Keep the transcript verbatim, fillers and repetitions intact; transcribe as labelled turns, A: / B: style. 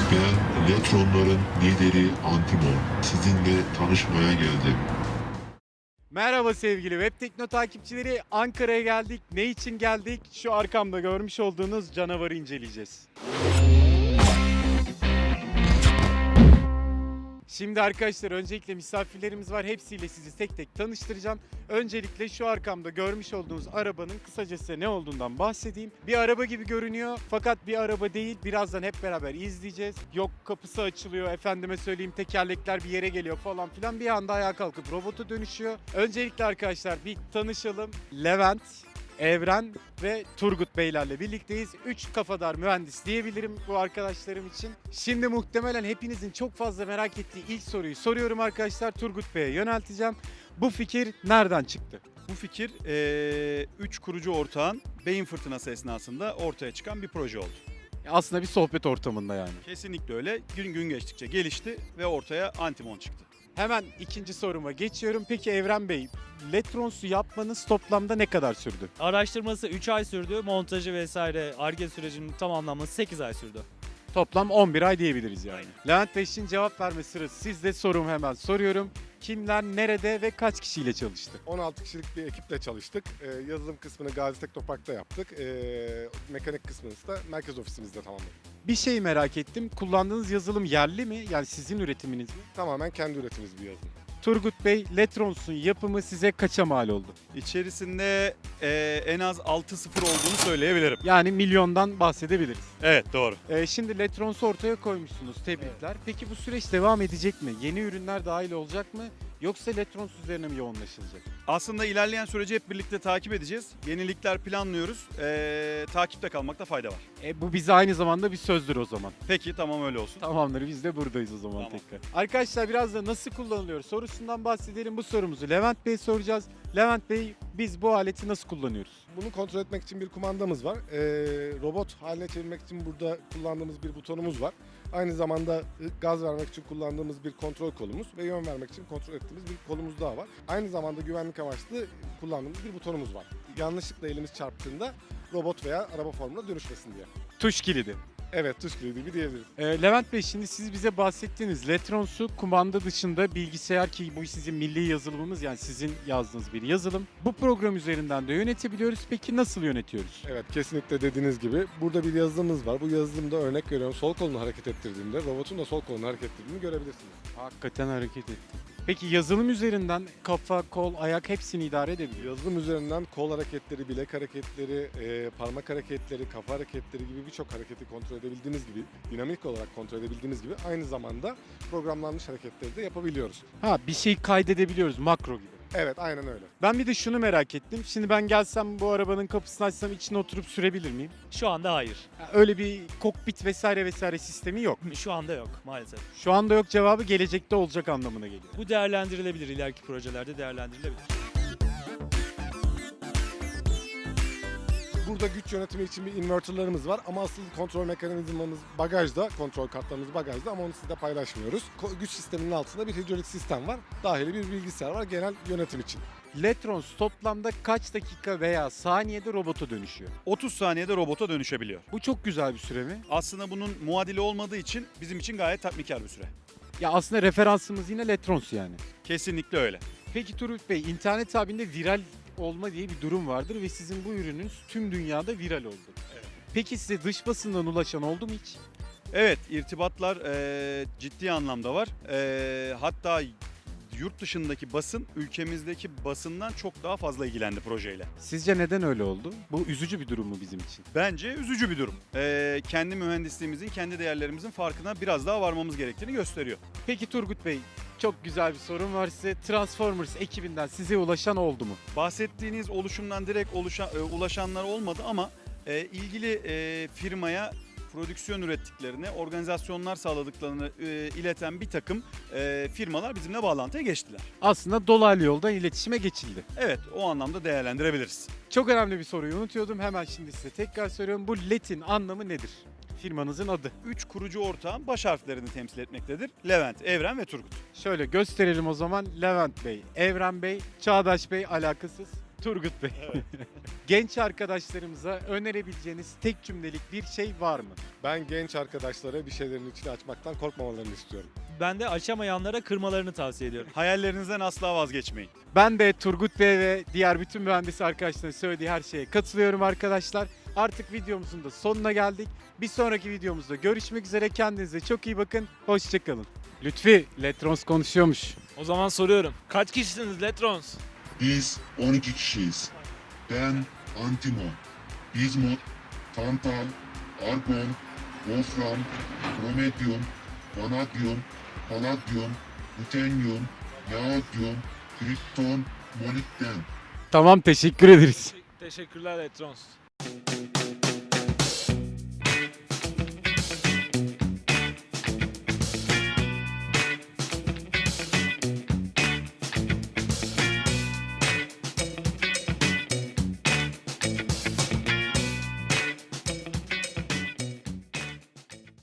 A: ve Letronların lideri Antimon sizinle tanışmaya geldim.
B: Merhaba sevgili Web Tekno takipçileri. Ankara'ya geldik. Ne için geldik? Şu arkamda görmüş olduğunuz canavarı inceleyeceğiz. Şimdi arkadaşlar öncelikle misafirlerimiz var. Hepsiyle sizi tek tek tanıştıracağım. Öncelikle şu arkamda görmüş olduğunuz arabanın kısacası ne olduğundan bahsedeyim. Bir araba gibi görünüyor fakat bir araba değil. Birazdan hep beraber izleyeceğiz. Yok kapısı açılıyor, efendime söyleyeyim tekerlekler bir yere geliyor falan filan. Bir anda ayağa kalkıp robota dönüşüyor. Öncelikle arkadaşlar bir tanışalım. Levent, Evren ve Turgut Beylerle birlikteyiz. Üç kafadar mühendis diyebilirim bu arkadaşlarım için. Şimdi muhtemelen hepinizin çok fazla merak ettiği ilk soruyu soruyorum arkadaşlar. Turgut Bey'e yönelteceğim. Bu fikir nereden çıktı?
C: Bu fikir üç kurucu ortağın beyin fırtınası esnasında ortaya çıkan bir proje oldu.
B: Aslında bir sohbet ortamında yani.
C: Kesinlikle öyle. Gün gün geçtikçe gelişti ve ortaya Antimon çıktı.
B: Hemen ikinci soruma geçiyorum. Peki Evren Bey, Letronsu yapmanız toplamda ne kadar sürdü?
D: Araştırması üç ay sürdü. Montajı vesaire Ar-Ge sürecinin tamamlanması sekiz ay sürdü.
B: Toplam on bir ay diyebiliriz yani.
D: Aynen.
B: Levent Bey için cevap verme sırası sizde, sorumu hemen soruyorum. Kimler, nerede ve kaç kişiyle çalıştı?
E: on altı kişilik bir ekiple çalıştık. Ee, yazılım kısmını Gazi Teknopark'ta yaptık. Ee, mekanik kısmını da merkez ofisimizde tamamladık.
B: Bir şey merak ettim. Kullandığınız yazılım yerli mi? Yani sizin üretiminiz mi?
E: Tamamen kendi üretimimiz bir yazılım.
B: Turgut Bey, Letrons'un yapımı size kaça mal oldu?
C: İçerisinde eee, en az altı sıfır olduğunu söyleyebilirim.
B: Yani milyondan bahsedebiliriz.
C: Evet, doğru.
B: Ee, şimdi Letrons'u ortaya koymuşsunuz. Tebrikler. Peki bu süreç devam edecek mi? Yeni ürünler dahil olacak mı? Yoksa Letrons üzerine mi yoğunlaşılacak?
C: Aslında ilerleyen süreci hep birlikte takip edeceğiz. Yenilikler planlıyoruz. Eee, takipte kalmakta fayda var.
B: E, bu bize aynı zamanda bir sözdür o zaman.
C: Peki, tamam, öyle olsun.
B: Tamamdır, biz de buradayız o zaman
C: Tamam.
B: tekrar. Arkadaşlar biraz da nasıl kullanılıyor sorusundan bahsedelim. Bu sorumuzu Levent Bey soracağız. Levent Bey, biz bu aleti nasıl kullanıyoruz?
E: Bunu kontrol etmek için bir kumandamız var. Ee, robot haline çevirmek için burada kullandığımız bir butonumuz var. Aynı zamanda gaz vermek için kullandığımız bir kontrol kolumuz ve yön vermek için kontrol ettiğimiz bir kolumuz daha var. Aynı zamanda güvenlik amaçlı kullandığımız bir butonumuz var. Yanlışlıkla elimiz çarptığında robot veya araba formuna dönüşmesin diye.
B: Tuş kilidi.
E: Evet, tuş kilidi gibi diyebiliriz.
B: Ee, Levent Bey, şimdi siz bize bahsettiğiniz Letrons'u kumanda dışında bilgisayar, ki bu sizin milli yazılımımız, yani sizin yazdığınız bir yazılım. Bu program üzerinden de yönetebiliyoruz. Peki nasıl yönetiyoruz?
E: Evet, kesinlikle dediğiniz gibi burada bir yazılımımız var. Bu yazılımda örnek veriyorum sol kolunu hareket ettirdiğinde robotun da sol kolunu hareket ettirdiğini görebilirsiniz.
B: Hakikaten hareket etti. Peki yazılım üzerinden kafa, kol, ayak hepsini idare edebiliyor.
E: Yazılım üzerinden kol hareketleri, bilek hareketleri, e, parmak hareketleri, kafa hareketleri gibi birçok hareketi kontrol edebildiğiniz gibi, dinamik olarak kontrol edebildiğiniz gibi aynı zamanda programlanmış hareketleri de yapabiliyoruz.
B: Ha, bir şey kaydedebiliyoruz, makro gibi.
E: Evet, aynen öyle.
B: Ben bir de şunu merak ettim. Şimdi ben gelsem bu arabanın kapısını açsam içine oturup sürebilir miyim?
D: Şu anda hayır.
B: Ha, öyle bir kokpit vesaire vesaire sistemi yok.
D: Şu anda yok maalesef.
B: Şu anda yok cevabı gelecekte olacak anlamına geliyor.
D: Bu değerlendirilebilir, ileriki projelerde değerlendirilebilir.
E: Burada güç yönetimi için bir inverterlarımız var ama asıl kontrol mekanizmamız bagajda, kontrol kartlarımız bagajda ama onu sizle paylaşmıyoruz. Ko- Güç sisteminin altında bir hidrolik sistem var. Dahili bir bilgisayar var genel yönetim için.
B: Letrons toplamda kaç dakika veya saniyede robota dönüşüyor?
C: otuz saniyede robota dönüşebiliyor.
B: Bu çok güzel bir süre mi?
C: Aslında bunun muadili olmadığı için bizim için gayet tatminkar bir süre.
B: Ya aslında referansımız yine Letrons yani.
C: Kesinlikle öyle.
B: Peki Turgut Bey, internet tabinde viral olma diye bir durum vardır ve sizin bu ürününüz tüm dünyada viral oldu.
C: Evet.
B: Peki size dış basından ulaşan oldu mu hiç?
C: Evet, irtibatlar eee, ciddi anlamda var. Eee, hatta yurt dışındaki basın ülkemizdeki basından çok daha fazla ilgilendi projeyle.
B: Sizce neden öyle oldu? Bu üzücü bir durum mu bizim için?
C: Bence üzücü bir durum. Eee, kendi mühendisliğimizin, kendi değerlerimizin farkına biraz daha varmamız gerektiğini gösteriyor.
B: Peki Turgut Bey, çok güzel bir sorum var size. Transformers ekibinden size ulaşan oldu mu?
C: Bahsettiğiniz oluşumdan direkt oluşan, e, ulaşanlar olmadı ama e, ilgili e, firmaya prodüksiyon ürettiklerini, organizasyonlar sağladıklarını e, ileten bir takım e, firmalar bizimle bağlantıya geçtiler.
B: Aslında dolaylı yoldan iletişime geçildi.
C: Evet, o anlamda değerlendirebiliriz.
B: Çok önemli bir soruyu unutuyordum. Hemen şimdi size tekrar soruyorum. Bu L E T'in anlamı nedir? Firmanızın adı.
C: Üç kurucu ortağın baş harflerini temsil etmektedir. Levent, Evren ve Turgut.
B: Şöyle gösterelim o zaman. Levent Bey, Evren Bey, Çağdaş Bey alakasız. Turgut Bey. Genç arkadaşlarımıza önerebileceğiniz tek cümlelik bir şey var mı?
E: Ben genç arkadaşlara bir şeylerin içini açmaktan korkmamalarını istiyorum.
D: Ben de açamayanlara kırmalarını tavsiye ediyorum.
C: Hayallerinizden asla vazgeçmeyin.
B: Ben de Turgut Bey ve diğer bütün mühendis arkadaşların söylediği her şeye katılıyorum arkadaşlar. Artık videomuzun da sonuna geldik. Bir sonraki videomuzda görüşmek üzere. Kendinize çok iyi bakın. Hoşçakalın. Lütfi, Letrons konuşuyormuş.
F: O zaman soruyorum. Kaç kişisiniz Letrons?
A: Biz on iki kişiyiz. Ben Antimon, Bismut, Tantal, Argon, Wolfram, Prometheum, Vanadyum, Palladium, Ruthenium, Neodyum, Krypton, Molybden.
B: Tamam, teşekkür ederiz.
F: Teşekkürler Letrons.